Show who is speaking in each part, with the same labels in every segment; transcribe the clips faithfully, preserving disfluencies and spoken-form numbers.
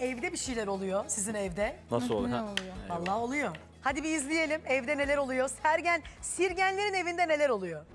Speaker 1: evde bir şeyler oluyor sizin evde.
Speaker 2: Nasıl olur?
Speaker 3: Ne
Speaker 2: Ha?
Speaker 3: oluyor?
Speaker 1: Vallahi oluyor. Hadi bir izleyelim evde neler oluyor. Sergen, Sirgenlerin evinde neler oluyor?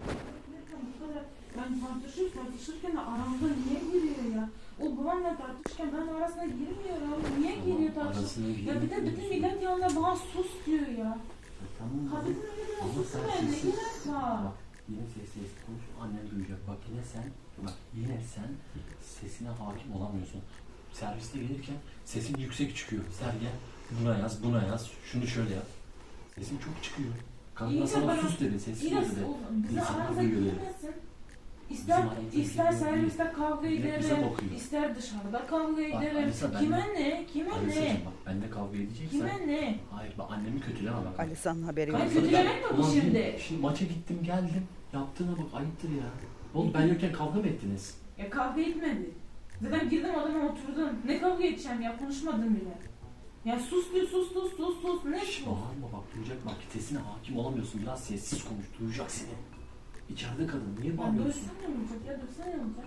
Speaker 4: Ben tartışır, tartışırken de aramda niye giriyor ya? O babamla tartışırken ben arasına girmiyorum. Niye giriyor tartışır? Ya bir de bütün millet yanında bana sus diyor ya.
Speaker 5: Tamam mı?
Speaker 4: Kadının önünde
Speaker 5: Ama
Speaker 4: sus
Speaker 5: sen
Speaker 4: ben ne
Speaker 5: sessiz-
Speaker 4: gerek var?
Speaker 5: Bak yine ses ses konuş, annem duyacak. Bak yine sen, bak yine sen sesine hakim olamıyorsun. Serviste gelirken sesin yüksek çıkıyor. Sergen buna yaz, buna yaz, şunu şöyle yap. Sesin çok çıkıyor. Kadın
Speaker 4: İyi
Speaker 5: da
Speaker 4: de
Speaker 5: sana
Speaker 4: bana-
Speaker 5: sus dedi, sessiz
Speaker 4: İyi de
Speaker 5: ol dedi.
Speaker 4: o- bize
Speaker 5: İnsanlar
Speaker 4: aramıza
Speaker 5: duyuyor dedi.
Speaker 4: girmesin. İster,
Speaker 5: aramıza
Speaker 4: ister
Speaker 5: girmiyor
Speaker 4: serviste kavga
Speaker 5: Millet bize
Speaker 4: ederim,
Speaker 5: bakıyor.
Speaker 4: ister dışarıda kavga
Speaker 5: Bak,
Speaker 4: ederim.
Speaker 5: Alisa, ben
Speaker 4: Kime
Speaker 5: de-
Speaker 4: ne? Kime
Speaker 5: Alisa'cığım
Speaker 4: ne?
Speaker 5: bak benimle kavga edeceksen.
Speaker 4: Kime ne?
Speaker 5: Hayır bak annemi kötüleme bak.
Speaker 6: Alisa'nın haberi
Speaker 4: Ben
Speaker 6: yok.
Speaker 4: kötülemek mi bu
Speaker 5: Ulan
Speaker 4: şimdi?
Speaker 5: bir- Şimdi maça gittim geldim. Yaptığına bak ayıptır ya. Ne oldu ben yokken kavga mı ettiniz?
Speaker 4: Ya kavga etmedi. Zaten girdim odama oturdum. Ne kavga edeceğim ya konuşmadım bile. Ya sus diyor sus sus sus sus. Ne
Speaker 5: Şş,
Speaker 4: sus?
Speaker 5: bağırma bak duyacak bak sesine hakim olamıyorsun. Biraz sessiz konuş duyacak seni. İçeride kadın niye
Speaker 4: Ya
Speaker 5: bağırıyorsun?
Speaker 4: dövsen ne olacak ya dövsen ne olacak?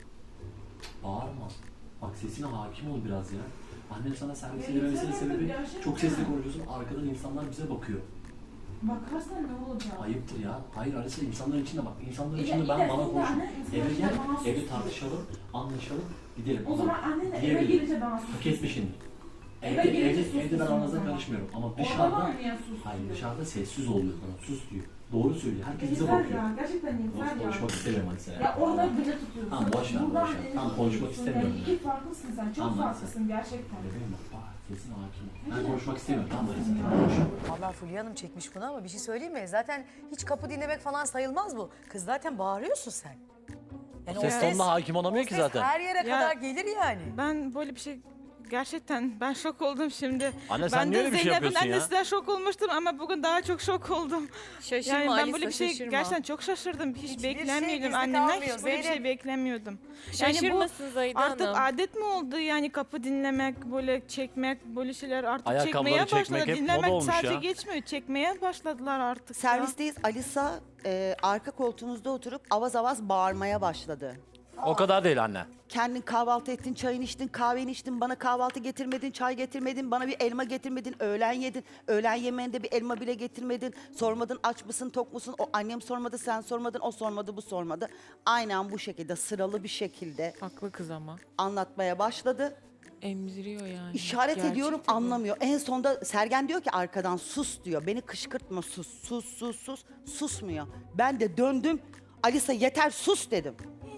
Speaker 5: Bağırma. Bak sesine hakim ol biraz ya. Annem sana servis
Speaker 4: Ya
Speaker 5: edememesinin
Speaker 4: yeter
Speaker 5: sebebi
Speaker 4: artık, gerçekten.
Speaker 5: çok sesli konuşuyorsun. Arkadan insanlar bize bakıyor.
Speaker 4: Bakarsan ne olacak?
Speaker 5: Ayıptır ya. Hayır Alisa insanların içinde bak. İnsanların
Speaker 4: İyi de-
Speaker 5: içinde
Speaker 4: iyi
Speaker 5: ben
Speaker 4: de
Speaker 5: bana
Speaker 4: sen de
Speaker 5: konuş.
Speaker 4: anne, insanların
Speaker 5: Eve
Speaker 4: içinde
Speaker 5: gel,
Speaker 4: bana sus
Speaker 5: evde
Speaker 4: diyorsun.
Speaker 5: tartışalım, anlaşalım, gidelim.
Speaker 4: O zaman annen de eve
Speaker 5: diyebilirim.
Speaker 4: gelince bana sus.
Speaker 5: Hak etmişsin.
Speaker 4: Eve
Speaker 5: Evde,
Speaker 4: gelince
Speaker 5: evde,
Speaker 4: sus
Speaker 5: evde ben
Speaker 4: diyorsun o
Speaker 5: aranıza
Speaker 4: zaman.
Speaker 5: karışmıyorum ama
Speaker 4: Orada
Speaker 5: dışarıda,
Speaker 4: bana niye sus
Speaker 5: hayır
Speaker 4: diyor?
Speaker 5: dışarıda sessiz oluyor bana, sus diyor. Doğru söylüyor, herkes bize
Speaker 4: Yeter
Speaker 5: bakıyor.
Speaker 4: ya gerçekten yeter ya.
Speaker 5: Konuşmak istemiyorum hadi sen.
Speaker 4: Ya orada bile tutuyorsun.
Speaker 5: Tamam, boş ver,
Speaker 4: Buradan
Speaker 5: boş ver.
Speaker 4: elini
Speaker 5: Tamam, konuşmak
Speaker 4: tutuyorsun.
Speaker 5: istemiyorum
Speaker 4: Yani
Speaker 5: ben.
Speaker 4: iki farklısın sen. Çok
Speaker 5: Tamam, hadi
Speaker 4: farklısın gerçekten.
Speaker 5: Bebeğim bak, bak sesine hakim ol. Ben konuşmak istemiyorum, tamam mı? Sen konuş.
Speaker 1: Vallahi Fulya Hanım çekmiş bunu ama bir şey söyleyeyim mi? Zaten hiç kapı dinlemek falan sayılmaz bu. Kız zaten bağırıyorsun sen. Yani
Speaker 2: Ses tonuna hakim olamıyor
Speaker 1: o
Speaker 2: ki
Speaker 1: ses
Speaker 2: zaten.
Speaker 1: her yere
Speaker 3: Ya-
Speaker 1: kadar gelir yani.
Speaker 3: Ben böyle bir şey gerçekten ben şok oldum şimdi.
Speaker 2: Anne sen
Speaker 3: ben
Speaker 2: niye
Speaker 3: de
Speaker 2: öyle bir şey
Speaker 3: Zeynep'in
Speaker 2: yapıyorsun ya?
Speaker 3: annesi de şok olmuştum ama bugün daha çok şok oldum.
Speaker 7: Şaşırma
Speaker 3: Yani ben
Speaker 7: Alisa,
Speaker 3: böyle bir şey
Speaker 7: şaşırma.
Speaker 3: gerçekten çok şaşırdım. Hiç
Speaker 1: Hiçbir şey
Speaker 3: beklemiyordum.
Speaker 1: gizli
Speaker 3: Annemden
Speaker 1: kalmıyor,
Speaker 3: hiç böyle bir şey
Speaker 1: Zeynep.
Speaker 3: beklemiyordum.
Speaker 7: Şaşırmasın Zahide
Speaker 3: Artık
Speaker 7: Hanım.
Speaker 3: adet mi oldu yani kapı dinlemek, böyle çekmek, böyle şeyler artık
Speaker 2: Ayakkabıları
Speaker 3: çekmeye
Speaker 2: çekmek
Speaker 3: başladı.
Speaker 2: hep
Speaker 3: Dinlemek
Speaker 2: moda olmuş
Speaker 3: sadece
Speaker 2: ya.
Speaker 3: geçmiyor, çekmeye başladılar artık ya.
Speaker 6: Servisteyiz. Alisa e, arka koltuğumuzda oturup avaz avaz bağırmaya başladı.
Speaker 2: O kadar değil anne.
Speaker 6: Kendin kahvaltı ettin, çayını içtin, kahveni içtin, bana kahvaltı getirmedin, çay getirmedin, bana bir elma getirmedin, öğlen yedin. Öğlen yemeğinde bir elma bile getirmedin. Sormadın aç mısın, tok musun? O annem sormadı, sen sormadın, o sormadı, bu sormadı. Aynen bu şekilde sıralı bir şekilde
Speaker 7: Haklı kız ama.
Speaker 6: anlatmaya başladı.
Speaker 7: Emziriyor yani.
Speaker 6: İşaret
Speaker 7: Gerçekten
Speaker 6: ediyorum
Speaker 7: bu.
Speaker 6: anlamıyor. En sonunda Sergen diyor ki arkadan sus diyor. Beni kışkırtma sus, sus, sus, sus. Susmuyor. Ben de döndüm. Alisa yeter sus dedim.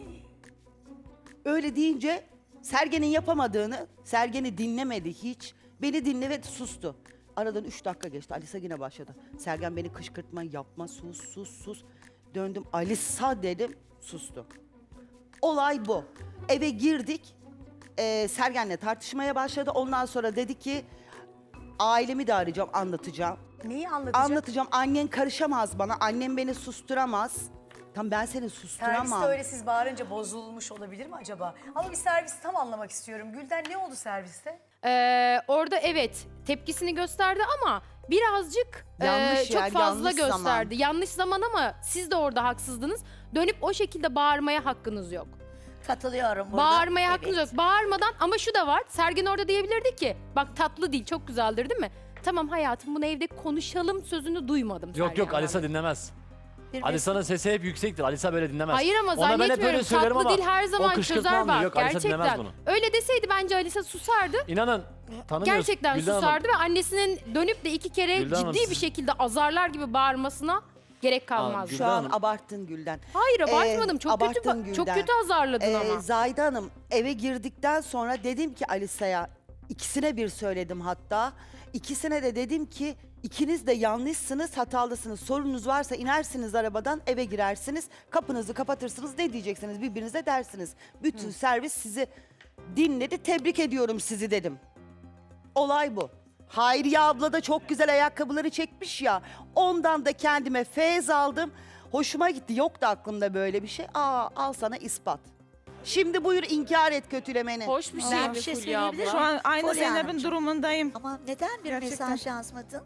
Speaker 6: Öyle deyince Sergen'in yapamadığını, Sergen'i dinlemedi hiç. Beni dinlemedi, sustu. Aradan üç dakika geçti. Alisa yine başladı. Sergen beni kışkırtma, yapma, sus, sus, sus. Döndüm, Alisa dedim, sustu. Olay bu. Eve girdik. Ee, Sergen'le tartışmaya başladı. Ondan sonra dedi ki, ailemi de arayacağım, anlatacağım.
Speaker 1: Neyi anlatacak?
Speaker 6: Anlatacağım, annen karışamaz bana, annem beni susturamaz. Tam ben seni susturamam.
Speaker 1: Serviste öyle siz bağırınca bozulmuş olabilir mi acaba? Ama bir servisi tam anlamak istiyorum. Gülden ne oldu serviste?
Speaker 8: Ee, orada evet tepkisini gösterdi ama birazcık
Speaker 6: Yanlış
Speaker 8: e, çok
Speaker 6: yer,
Speaker 8: fazla
Speaker 6: yanlış zaman.
Speaker 8: gösterdi. Yanlış zaman ama siz de orada haksızdınız. Dönüp o şekilde bağırmaya hakkınız yok.
Speaker 9: Katılıyorum burada.
Speaker 8: Bağırmaya
Speaker 9: Evet.
Speaker 8: hakkınız yok. Bağırmadan ama şu da var. Sergen orada diyebilirdi ki bak tatlı değil çok güzeldir değil mi? Tamam hayatım bunu evde konuşalım sözünü duymadım.
Speaker 2: Yok yok
Speaker 8: Sergen'den.
Speaker 2: Alisa dinlemez.
Speaker 9: Bir
Speaker 2: Alisa'nın sesi hep yüksektir. Alisa böyle dinlemez.
Speaker 8: Hayır ama
Speaker 2: Ona ben hep
Speaker 8: zannetmiyorum.
Speaker 2: öyle söylerim
Speaker 8: Tatlı
Speaker 2: ama
Speaker 8: dil her
Speaker 2: o
Speaker 8: zaman
Speaker 2: kışkırtmam
Speaker 8: çözer
Speaker 2: diyor.
Speaker 8: bak
Speaker 2: Yok, Alisa dinlemez
Speaker 8: gerçekten.
Speaker 2: bunu.
Speaker 8: Öyle deseydi bence Alisa susardı.
Speaker 2: İnanın tanımıyoruz.
Speaker 8: Gerçekten
Speaker 2: Gülden Hanım.
Speaker 8: susardı ve annesinin dönüp de iki kere
Speaker 2: Gülden Hanım,
Speaker 8: ciddi bir
Speaker 2: siz-
Speaker 8: şekilde azarlar gibi bağırmasına gerek kalmazdı.
Speaker 2: Gülden
Speaker 6: Şu an
Speaker 2: Hanım.
Speaker 6: abarttın Gülden.
Speaker 8: Hayır abartmadım.
Speaker 6: Ee,
Speaker 8: çok kötü
Speaker 6: abarttın
Speaker 8: ba- çok
Speaker 6: Gülden.
Speaker 8: kötü azarladın
Speaker 6: Ee,
Speaker 8: ama.
Speaker 6: Zahide Hanım eve girdikten sonra dedim ki Alisa'ya, ikisine bir söyledim hatta. İkisine de dedim ki ikiniz de yanlışsınız, hatalısınız. Sorunuz varsa inersiniz arabadan, eve girersiniz, kapınızı kapatırsınız, ne diyeceksiniz birbirinize dersiniz. Bütün servis sizi dinledi, tebrik ediyorum sizi dedim. Olay bu. Hayriye abla da çok güzel ayakkabıları çekmiş ya. Ondan da kendime feyz aldım. Hoşuma gitti. Yoktu aklımda böyle bir şey. Aa al sana ispat. Şimdi buyur inkar et kötülemeni.
Speaker 7: Hoş bir şey
Speaker 9: Ben
Speaker 7: mi
Speaker 9: bir şey
Speaker 7: Fulya
Speaker 9: söyleyebilir
Speaker 7: abla?
Speaker 3: Şu an aynı
Speaker 9: Fulya
Speaker 3: Zeynep'in
Speaker 9: Hanımcığım.
Speaker 3: durumundayım.
Speaker 9: Ama neden bir
Speaker 3: Gerçekten.
Speaker 9: mesaj yazmadın?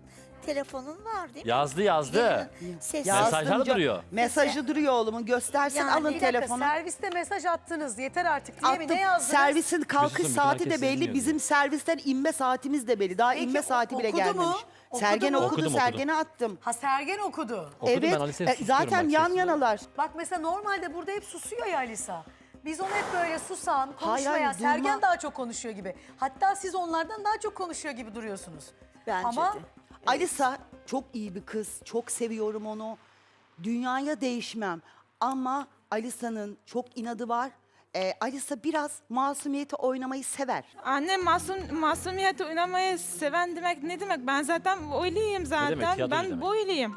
Speaker 9: telefonun var değil mi?
Speaker 2: Yazdı yazdı.
Speaker 9: Ses
Speaker 6: Yazdım
Speaker 2: Mesajlar
Speaker 6: canım.
Speaker 2: duruyor.
Speaker 6: Mesajı duruyor oğlumun. Göstersin
Speaker 9: Yani
Speaker 6: alın
Speaker 1: Bir dakika,
Speaker 6: telefonu.
Speaker 1: serviste mesaj attınız yeter artık diye mi?
Speaker 6: Attım.
Speaker 1: Ne yazdınız?
Speaker 6: Servisin kalkış
Speaker 2: Düşünsün, bütün
Speaker 6: saati
Speaker 2: herkes
Speaker 6: de belli.
Speaker 2: dinliyor
Speaker 6: Bizim servisten inme saatimiz de belli. Daha
Speaker 1: Peki,
Speaker 6: inme saati bile
Speaker 1: okudu mu?
Speaker 6: gelmemiş.
Speaker 1: Okudu
Speaker 6: Sergen
Speaker 1: mu?
Speaker 6: okudu,
Speaker 2: Okudum, okudum.
Speaker 6: Sergen'e attım.
Speaker 1: Ha Sergen okudu.
Speaker 2: Okudum ben
Speaker 6: evet,
Speaker 2: Alisa'ya
Speaker 6: e,
Speaker 2: susuyorum
Speaker 6: zaten
Speaker 2: bak
Speaker 6: yan
Speaker 2: sesini.
Speaker 6: yanalar.
Speaker 1: Bak mesela normalde burada hep susuyor ya Alisa. Biz onu hep böyle susan,
Speaker 6: Hayır,
Speaker 1: konuşmayan,
Speaker 6: hayır,
Speaker 1: Sergen
Speaker 6: durma.
Speaker 1: daha çok konuşuyor gibi. Hatta siz onlardan daha çok konuşuyor gibi duruyorsunuz.
Speaker 6: Bence
Speaker 1: Ama
Speaker 6: de. Alisa çok iyi bir kız. Çok seviyorum onu. Dünyaya değişmem. Ama Alisa'nın çok inadı var. Ee, Alisa biraz masumiyeti oynamayı sever.
Speaker 3: Anne masum masumiyet oynamayı seven demek ne demek? Ben zaten öyleyim zaten.
Speaker 2: tiyatrocu
Speaker 3: Ben
Speaker 2: demek.
Speaker 3: böyleyim.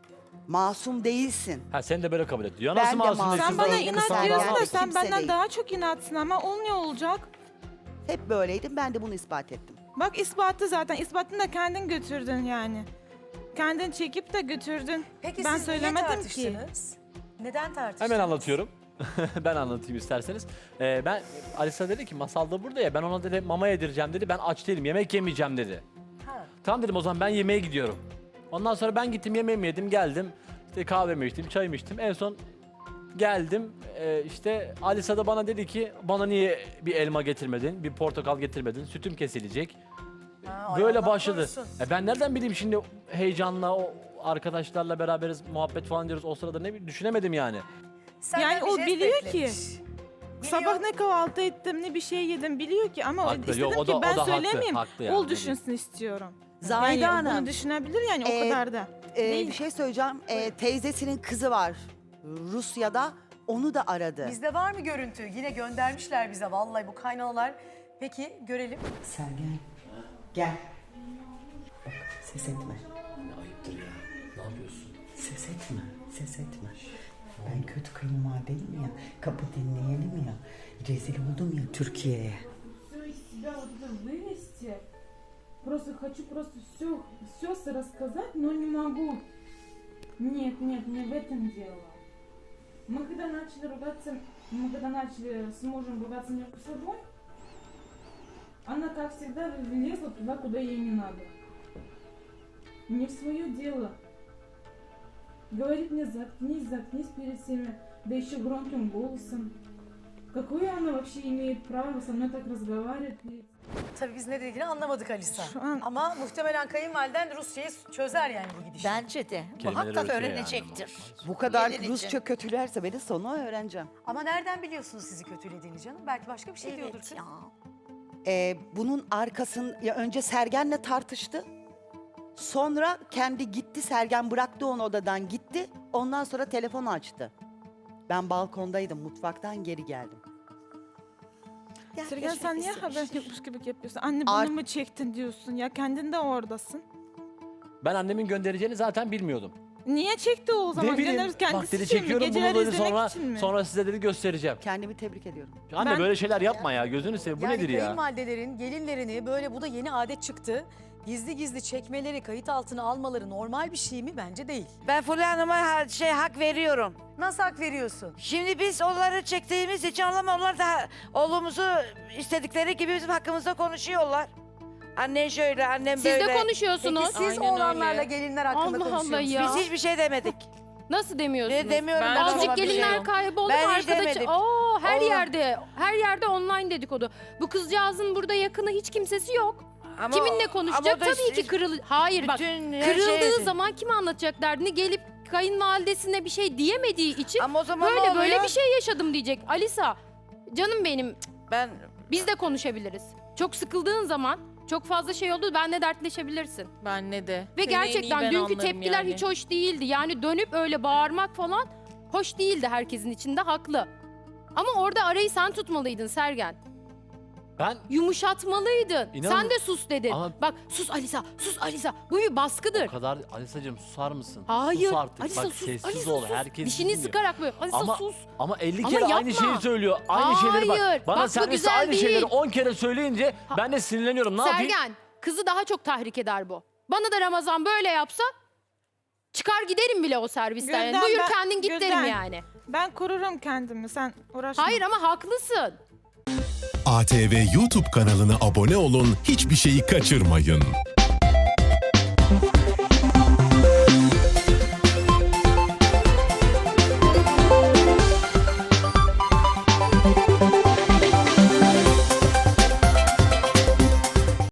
Speaker 6: Masum değilsin.
Speaker 2: Ha sen de böyle kabul et. Ya
Speaker 6: Ben
Speaker 2: nasıl
Speaker 6: de
Speaker 2: masum
Speaker 6: masum.
Speaker 2: değilsin?
Speaker 3: Sen bana
Speaker 6: Kızlar-
Speaker 3: inat
Speaker 6: kızlar
Speaker 3: diyorsun
Speaker 6: yani
Speaker 3: da sen
Speaker 6: kimse
Speaker 3: benden
Speaker 6: değil.
Speaker 3: daha çok inatsın ama olmuyor olacak.
Speaker 6: Hep böyleydim. Ben de bunu ispat ettim.
Speaker 3: Bak ispatı zaten. İspatını da kendin götürdün yani. Kendin çekip de götürdün.
Speaker 1: peki
Speaker 3: ben
Speaker 1: siz niye
Speaker 3: söylemedim ki.
Speaker 1: tartıştınız? Neden tartıştınız?
Speaker 2: Hemen anlatıyorum. Ben anlatayım isterseniz. Ee, ben Alisa dedi ki masalda burada ya ben ona dedi mama yedireceğim dedi. Ben aç değilim yemek yemeyeceğim dedi.
Speaker 1: Ha.
Speaker 2: Tamam dedim o zaman ben yemeğe gidiyorum. Ondan sonra ben gittim yemeğimi yedim geldim. İşte kahvemi içtim çayımı içtim. En son geldim e, işte Alisa da bana dedi ki bana niye bir elma getirmedin bir portakal getirmedin sütüm kesilecek.
Speaker 1: Ha, ay
Speaker 2: Böyle
Speaker 1: Allah
Speaker 2: başladı.
Speaker 1: korusun.
Speaker 2: E ben nereden bileyim şimdi heyecanla o arkadaşlarla beraberiz muhabbet falan diyoruz o sırada ne bileyim, düşünemedim yani.
Speaker 1: Senden
Speaker 3: Yani
Speaker 1: bir
Speaker 3: o
Speaker 1: jest
Speaker 3: biliyor ki.
Speaker 1: beklemiş.
Speaker 3: Sabah
Speaker 1: Biliyor.
Speaker 3: ne kahvaltı ettim ne bir şey yedim biliyor ki ama
Speaker 2: Haklı,
Speaker 3: istedim
Speaker 2: yok, o da-
Speaker 3: ki
Speaker 2: o
Speaker 3: ben
Speaker 2: da haklı,
Speaker 3: söylemeyeyim.
Speaker 2: haklı yani,
Speaker 3: Ol
Speaker 2: ne
Speaker 3: düşünsün istiyorum.
Speaker 6: Zahide
Speaker 3: yani
Speaker 6: Hanım.
Speaker 3: bunu düşünebilir yani o
Speaker 6: Ee,
Speaker 3: kadar da.
Speaker 6: Ee,
Speaker 3: Değil.
Speaker 6: bir şey söyleyeceğim. Ee, teyzesinin kızı var Rusya'da. Onu da aradı.
Speaker 1: Bizde var mı görüntü? Yine göndermişler bize vallahi bu kaynanalar. Peki görelim.
Speaker 6: Sergen gel. Bak, ses etme.
Speaker 5: Ne ayıptır ya. Ne yapıyorsun?
Speaker 6: Ses etme. Ses etme. Ben kötü kayınvalideyim ya. Kapı dinleyelim ya. Rezil oldum ya Türkiye'ye.
Speaker 4: Все из себя вот это вывести. Просто хочу просто все, все рассказать, но не могу. Нет, нет, не в этом дело. Мы когда начали ругаться, мы когда начали с мужем ругаться между собой, она, как всегда, влезла туда, куда ей не надо. Не в свое дело. Говорит мне, заткнись, заткнись перед всеми, да еще громким голосом. Какое она вообще имеет право со mной так разговаривать?
Speaker 1: Tabii biz ne dediğini anlamadık Alisa.
Speaker 3: Şu an-
Speaker 1: Ama muhtemelen kayınvaliden Rusya'yı çözer yani bu gidişle.
Speaker 9: Bence de.
Speaker 2: Kelimeleri
Speaker 9: Muhakkak
Speaker 2: öğretiyor yani.
Speaker 9: öğrenecektir.
Speaker 6: Bu kadar
Speaker 9: Yenilince.
Speaker 6: Rusça kötülerse beni sonu öğreneceğim.
Speaker 1: Ama nereden biliyorsunuz sizi kötülediğini canım? Belki başka bir şey diyordur
Speaker 9: Evet
Speaker 1: kız.
Speaker 9: ya.
Speaker 6: Ee, bunun arkasın ya önce Sergen'le tartıştı. Sonra kendi gitti. Sergen bıraktı onu odadan gitti. Ondan sonra telefonu açtı. Ben balkondaydım. Mutfaktan geri geldim.
Speaker 9: Ya
Speaker 3: Sergen
Speaker 9: keşfet
Speaker 3: sen niye
Speaker 9: istemiş.
Speaker 3: haber yokmuş gibi yapıyorsun? Anne bunu
Speaker 6: Art-
Speaker 3: mu çektin diyorsun ya kendin de oradasın.
Speaker 2: Ben annemin göndereceğini zaten bilmiyordum.
Speaker 3: Niye çekti o zaman?
Speaker 2: ne bileyim
Speaker 3: Göndeririz kendisi
Speaker 2: bak dedi
Speaker 3: için mi?
Speaker 2: çekiyorum bunu
Speaker 3: Geceleri
Speaker 2: dedi
Speaker 3: izlemek
Speaker 2: sonra,
Speaker 3: için mi?
Speaker 2: sonra size dedi göstereceğim.
Speaker 6: Kendimi tebrik ediyorum.
Speaker 2: Anne
Speaker 3: Ben-
Speaker 2: böyle şeyler yapma ya gözünü seveyim bu
Speaker 1: yani
Speaker 2: nedir ya?
Speaker 1: kayınvalidelerin gelinlerini böyle bu da yeni adet çıktı. Gizli gizli çekmeleri, kayıt altına almaları normal bir şey mi? Bence değil.
Speaker 10: Ben Fulya Hanım'a ha- şey hak veriyorum.
Speaker 1: Nasıl hak veriyorsun?
Speaker 10: Şimdi biz onları çektiğimiz için ama onlar da oğlumuzu istedikleri gibi bizim hakkımızda konuşuyorlar. Annen şöyle, annem
Speaker 8: Siz
Speaker 10: böyle.
Speaker 8: de konuşuyorsunuz.
Speaker 1: Peki siz
Speaker 7: Aynen
Speaker 1: oğlanlarla
Speaker 7: öyle.
Speaker 1: gelinler hakkında
Speaker 8: Allah Allah
Speaker 1: konuşuyorsunuz.
Speaker 8: ya.
Speaker 10: Biz hiçbir şey demedik.
Speaker 8: Nasıl demiyorsunuz?
Speaker 10: Ne demiyorum
Speaker 7: Ben
Speaker 10: ben
Speaker 7: çok
Speaker 10: ona
Speaker 8: Azıcık
Speaker 10: bir şey.
Speaker 8: gelinler kayboldu
Speaker 10: Ben
Speaker 8: mu
Speaker 10: hiç
Speaker 8: arkada?
Speaker 10: demedim.
Speaker 8: Oo, her
Speaker 10: Oğlum.
Speaker 8: yerde, her yerde online dedikodu. Bu kızcağızın burada yakını hiç kimsesi yok.
Speaker 10: Ama-
Speaker 8: Kiminle
Speaker 10: ama
Speaker 8: konuşacak?
Speaker 10: o da
Speaker 8: Tabii
Speaker 10: işte
Speaker 8: ki kırıl. Hayır bak.
Speaker 10: bütün her
Speaker 8: Kırıldığı
Speaker 10: şey-
Speaker 8: zaman kime anlatacak derdini gelip kayınvalidesine bir şey diyemediği için
Speaker 10: Ama o zaman ne
Speaker 8: böyle böyle
Speaker 10: oluyor?
Speaker 8: bir şey yaşadım diyecek. Alisa, canım benim,
Speaker 10: Ben
Speaker 8: biz de konuşabiliriz. Çok sıkıldığın zaman çok fazla şey oldu benle dertleşebilirsin.
Speaker 7: Benle de.
Speaker 8: Ve
Speaker 7: Seni en iyi
Speaker 8: gerçekten
Speaker 7: ben
Speaker 8: dünkü
Speaker 7: anlarım
Speaker 8: tepkiler
Speaker 7: yani.
Speaker 8: hiç hoş değildi. Yani dönüp öyle bağırmak falan hoş değildi herkesin içinde, haklı. Ama orada arayı sen tutmalıydın Sergen.
Speaker 2: Ben
Speaker 8: Yumuşatmalıydın.
Speaker 2: İnan-
Speaker 8: Sen de sus dedin.
Speaker 2: Ama-
Speaker 8: Bak sus Alisa, sus Alisa. Bu bir baskıdır.
Speaker 2: o kadar Alisa'cığım susar mısın?
Speaker 8: Hayır.
Speaker 2: Sus artık
Speaker 8: Alisa
Speaker 2: bak
Speaker 8: sus.
Speaker 2: sessiz
Speaker 8: Alisa
Speaker 2: ol
Speaker 8: sus.
Speaker 2: herkes
Speaker 8: Dişini
Speaker 2: dinliyor.
Speaker 8: sıkarak böyle. Alisa
Speaker 2: Ama-
Speaker 8: sus.
Speaker 2: Ama elli
Speaker 8: Ama
Speaker 2: kere aynı
Speaker 8: yapma.
Speaker 2: şeyi söylüyor. Aynı şeyleri bak.
Speaker 8: Hayır.
Speaker 2: Bana
Speaker 8: Bak bu
Speaker 2: serviste
Speaker 8: güzel
Speaker 2: aynı
Speaker 8: değil.
Speaker 2: şeyleri on kere söyleyince ben de sinirleniyorum. Ne yapayım?
Speaker 8: Sergen, kızı daha çok tahrik eder bu. Bana da Ramazan böyle yapsa çıkar giderim bile o servisten. Yani.
Speaker 3: Gülden,
Speaker 8: Buyur
Speaker 3: ben-
Speaker 8: kendin git
Speaker 3: Gülden.
Speaker 8: derim yani.
Speaker 3: Ben korurum kendimi sen uğraşma.
Speaker 8: Hayır ama haklısın.
Speaker 11: A T V YouTube kanalına abone olun, hiçbir şeyi kaçırmayın.